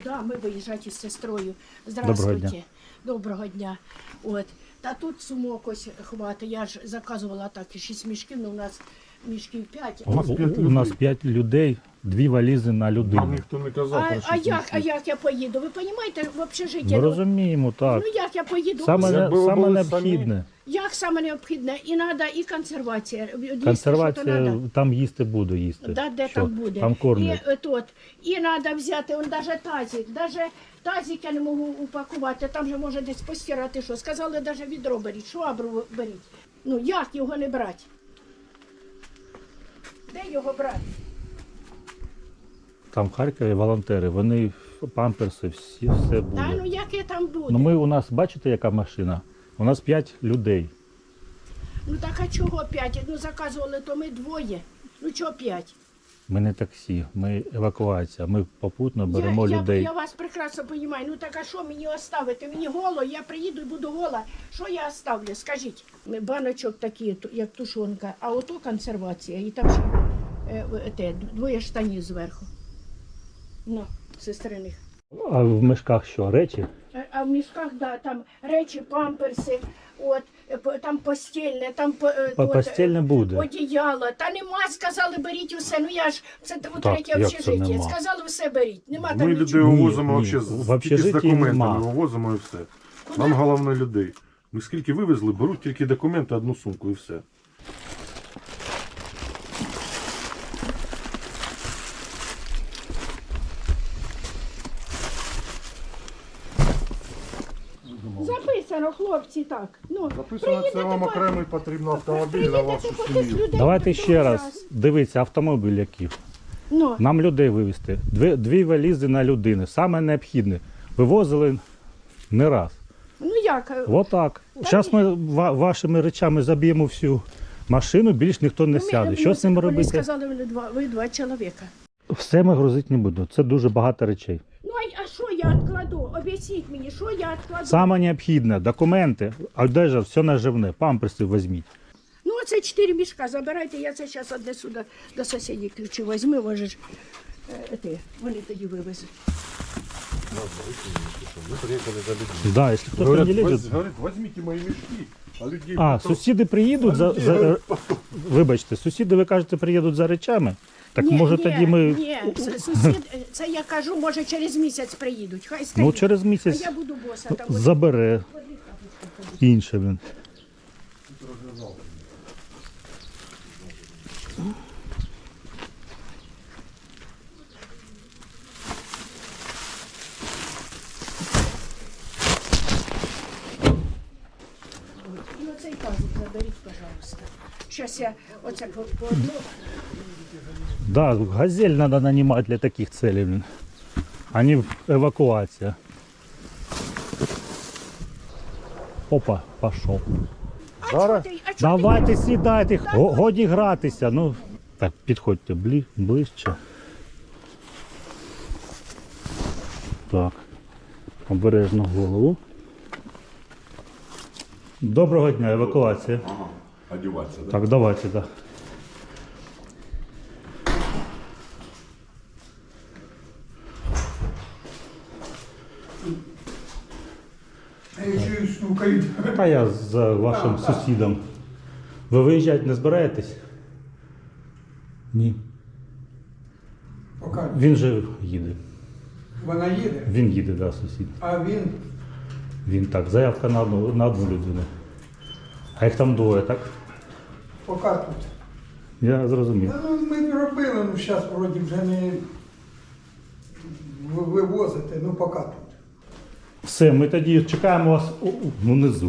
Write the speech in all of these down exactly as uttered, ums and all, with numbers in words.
Да, ми виїжджати із сестрою. Доброго Здравствуйте. дня. Доброго дня. От. Та тут сумок ось хватить. Я ж заказувала так, і шість мішків, але у нас мішків п'ять. У, у, у нас п'ять людей, дві валізи на Нам людину. ніхто не казав, А, про а, що як, а це. як я поїду? Ви розумієте, в общежиття? Ми розуміємо, так. Ну як я поїду? Саме, не, Якби ви саме були необхідне. Як саме необхідне? І треба, і консервація. Їсти, що то Консервація, надо. там їсти буду їсти. Да, де Що? там буде. Там кормлять. І, е, тут. І треба взяти, он навіть тазик. Даже тазик я не можу упакувати, там же може десь постирати що. Сказали, навіть відро беріть, швабру беріть. Ну як його не брати? Де його брати? Там в Харкові волонтери, вони памперси, всі, все буде. Та ну яке там буде? Ну ми у нас, бачите, яка машина? У нас п'ять людей. Ну так а чого п'ять? Ну заказували, то ми двоє. Ну чого п'ять? Ми не таксі, ми евакуація. Ми попутно беремо я, людей. Я, я вас прекрасно розумію. Ну так а що мені оставити? Мені голо, я приїду і буду гола. Що я оставлю? Скажіть. Баночок такі, ту- як тушонка, а ото консервація. І там ще е, е, те, двоє штанів зверху. Ну, сестриних. А в мішках що, речі? А- А в мішках, да, там речі, памперси, от, е, по- там постільне, там по- е, По- от, Постільне е, буде. одіяло. Та нема, сказали, беріть усе. Ну я ж, це у Так, третє як це общежиття. нема? Сказали, все беріть. Нема там Ми нічого. людей Ні, вивозимо ні, взагалі в з, тільки з общежитті документами, нема. вивозимо і все. Нам головне людей. Ми скільки вивезли, беруть тільки документи, одну сумку і все. Записано, хлопці, так. Ну, Записано, це вам по- окремий потрібен автомобіль на вашу приїдете по тих сім'ю. людей. Давайте другий ще раз. Дивіться, автомобіль який. Ну, Нам людей вивезти. Дві, дві валізи на людину. Саме необхідне. Вивозили не раз. ну як? е, Отак. Зараз ми ва- вашими речами заб'ємо всю машину, більш ніхто не ну, ми- сяде. Що з ним Вони робити? сказали, ви два, ви два чоловіка. Все ми грузити не будемо. Це дуже багато речей. Ну, а, а що я відкладу? Об'ясніть мені, що я відкладу? Саме необхідне документи, одежа, все наживне. Памперси візьміть. Ну, оце чотири мішка забирайте, я це зараз однесу до, до сусідів ключі візьми, можеш, е, ти, вони тоді вивезуть. Ми приїхали за людьми. Да, якщо хтось Говорять, не лізе. «Вось- говорять, візьміть мої мішки, а людей... А, потім- сусіди приїдуть за, людей, за говорять, вибачте, сусіди, ви кажете, приїдуть за речами. Так Ні, може ні, тоді ми. Ні, с- сусід, е, це я кажу, може через місяць приїдуть, хай Ну стоїть. через А місяць я буду боса там. от- забере інше він. І оцей тазик заберіть, пожалуйста. Зараз я оце по, по одну. Да, газель надо нанимать для таких целей, блин. А не эвакуация. Опа, пошел. А Зараз. чого ти- а чого ти- Давайте сідайте, го- годі гратися. Ну, так, підходьте блі, ближче. Так, обережно голову. Доброго дня, евакуація. Ага, одіватися, да? Так, давайте, так. Я чую, стукають. Та я за вашим сусідом. Ви виїжджати не збираєтесь? Ні. Поки Він же їде. вона їде, Він їде, да, сусід. а він Він так, заявка на одну, на одну людину. А їх там двоє, так? поки тут. Я зрозумів. Та, ну, ми не робили, ну зараз вроді вже не ви- вивозите, ну поки тут. Все, ми тоді чекаємо вас у- у- внизу.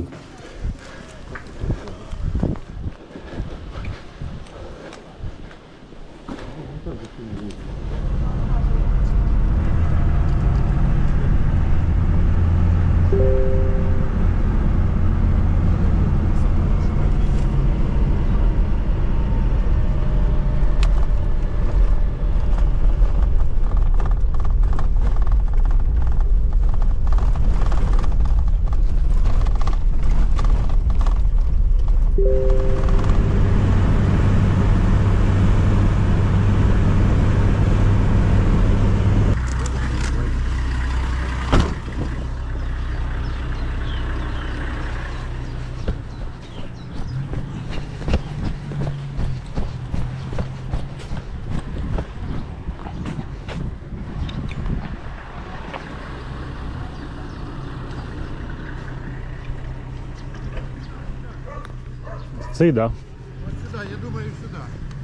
Цей, да. От сюди, я думаю, сюди.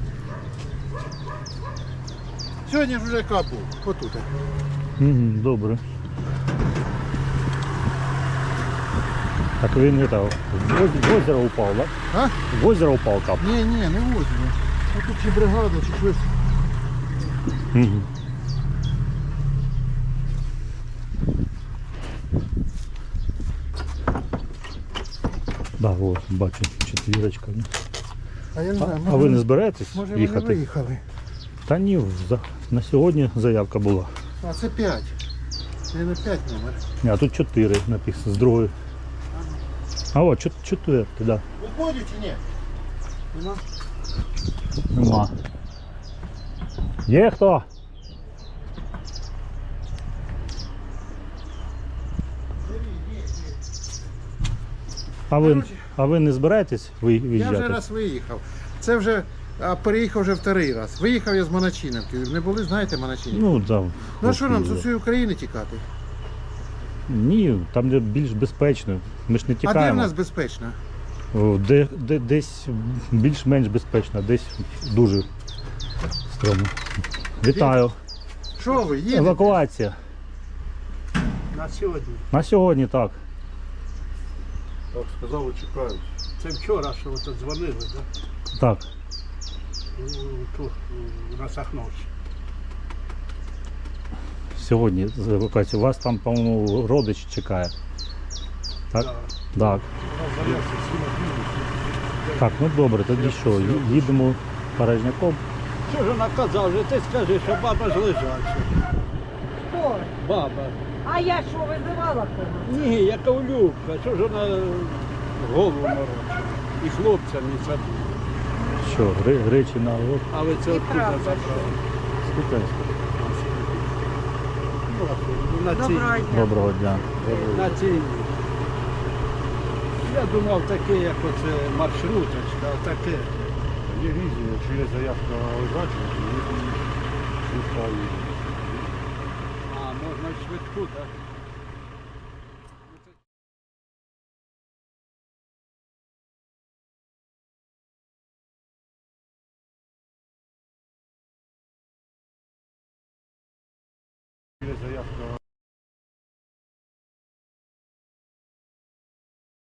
Сьогодні ж вже капу. Отут. Угу, добре. Так він это, в оз- в озеро упав, да? А? В озеро упав кап. Ні, ні, не возьму. Тут чи бригада, чи щось. Угу. Да, вот, бачу, четвірочка. А я не А, знаю, а ви не збираєтесь може вони їхати? виїхали. Та ні, за- на сьогодні заявка була. А це п'ять. Це не п'ять номер. Ні, а тут чотири написано з другої. А от чот- четвертий, да. Виходять чи ні? Нема? Нема. Є хто? А ви, а ви не збираєтесь ви- Я вже виїжджати? раз виїхав. Це вже, а переїхав вже вторий раз. Виїхав я з Моночинівки. Не були, знаєте, Моночинівки? Ну, да, Ну а що нам з хлопці, усієї України тікати? Ні, там де більш безпечно. Ми ж не А де в тікаємо. нас безпечно? О, Де, де, десь більш-менш безпечно, десь дуже стрьомно. Вітаю. Що ви, їдете? Евакуація. На сьогодні. На сьогодні так. Так, сказали, чекають. Це вчора, що ви тут дзвонили, да? Так. У- Тут, у- на Сахновці. Сьогодні з евакуації. У вас там, по-моєму, родич чекає. Так? Да. Так. Так, ну добре, тоді що, ї- їдемо порожняком. Що ж вона казав, вже ти скажи, що баба ж лежача. Хто? Баба. А я що, визивала кого? Ні, яка улюбка, що ж вона голову морочить. І хлопцям, і саду. Що, гри, гречі на от, А ви це откуда правда, забрали? Скутенська. Ну, на цій. Доброго дня. Доброго дня. На цій. Я думав таке, як оце маршруточка, а таке. Є різні, якщо є заявка на лежачу, то є швидка їде. А, можна й швидку, так? Є заявка